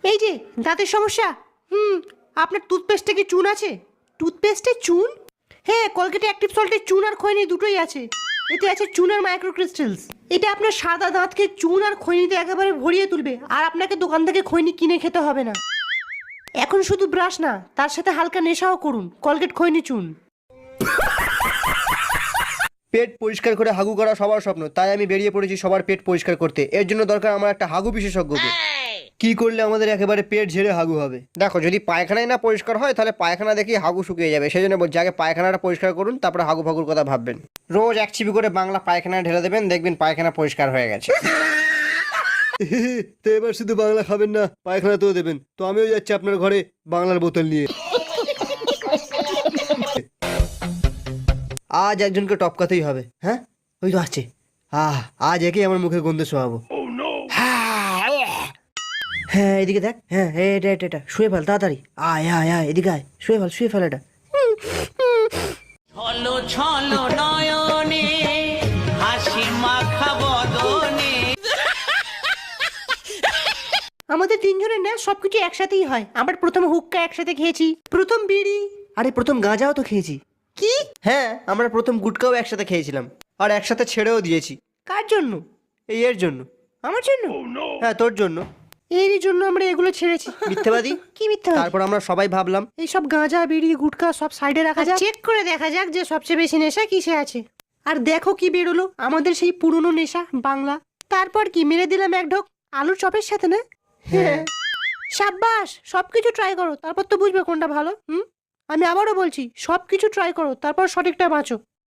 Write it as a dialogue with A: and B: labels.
A: এই যে দাঁতের সমস্যা, আপনার টুথপেস্টে কি চুন আছে? টুথপেস্টে চুন? হ্যাঁ, কলগেটে অ্যাক্টিভ সল্টের চুন আর খৈনি দুটোই আছে। এতে আছে চুন আর মাইক্রোক্রিস্টালস। এটা আপনার সাদা দাঁতকে চুন আর খৈনিতে একেবারে ভরিয়ে তুলবে, আর আপনাকে দোকান থেকে খৈনি কিনে খেতে হবে না। এখন শুধু ব্রাশ না, তার সাথে হালকা নেশাও করুন, কলগেট খৈনি চুন।
B: পেট পরিষ্কার করে হাগু করা সবার স্বপ্ন, তাই আমি বেরিয়ে পড়েছি সবার পেট পরিষ্কার করতে। এর জন্য দরকার আমার একটা হাগু বিশেষজ্ঞকে। কি করলে আমাদের একেবারে পেট ঝেড়ে হাগু হবে? দেখো, যদি পায়খানায় না পরিষ্কার হয় তাহলে পায়খানা দেখি হাগু শুকিয়ে যাবে। সেই জন্য বলছি আগে পায়খানাটা পরিষ্কার করুন, তারপরে হাগু ফাগুর কথা ভাববেন। রোজ 1 চিপি করে বাংলা পায়খানা ঢেলে দেবেন, দেখবেন পায়খানা পরিষ্কার হয়ে গেছে। তো এবার শুধু বাংলা খাবেন না, পায়খানা তো দেবেন। তো আমিও যাচ্ছি আপনার ঘরে বাংলার বোতল নিয়ে। আজ একজনকে টপকাতেই হবে। হ্যাঁ, ওই তো আছে। আজ একেই আমার মুখে গন্ধ শোয়াবো। হ্যাঁ, এদিকে দেখ। হ্যাঁ, এটা শুয়ে ফেল তাড়াতাড়ি। আয় আয় আয়, এদিকে আয়, শুয়ে ফেল এটা।
C: ছলো ছলো নয়নে হাসি মাখা বদনে।
A: আমাদের তিনজনের না সবকিছু একসাথেই হয়। আমরা প্রথম হুক্কা একসাথে খেয়েছি, প্রথম বিড়ি,
B: আরে প্রথম গাঁজাও তো খেয়েছি।
A: কি?
B: হ্যাঁ, আমরা প্রথম গুটকাও একসাথে খেয়েছিলাম, আর একসাথে ছেড়েও দিয়েছি।
A: কার জন্য?
B: এর জন্য।
A: আমার জন্য?
B: হ্যাঁ, তোর জন্য।
A: এরই জন্য আমরা এগুলো ছেড়েছি।
B: মিথ্যেবাদী।
A: কি মিথ্যা?
B: তারপর আমরা সবাই ভাবলাম
A: এইসব গাঁজা বিড়ি গুটকা সব সাইডে রাখা যাক, চেক করে দেখা যাক যে সবচেয়ে বেশি নেশা কিসে আছে। আর দেখো কি বেরোলো, আমাদের সেই পুরনো নেশা বাংলা। তারপর কি মেরে দিলাম এক ঢোক আলুর চপের সাথে না?
B: হ্যাঁ।
A: সাব্বাস, সবকিছু ট্রাই করো, তারপর তো বুঝবে কোনটা ভালো। আমি আবারও বলছি, সবকিছু ট্রাই করো, তারপর সঠিকটা বাঁচো।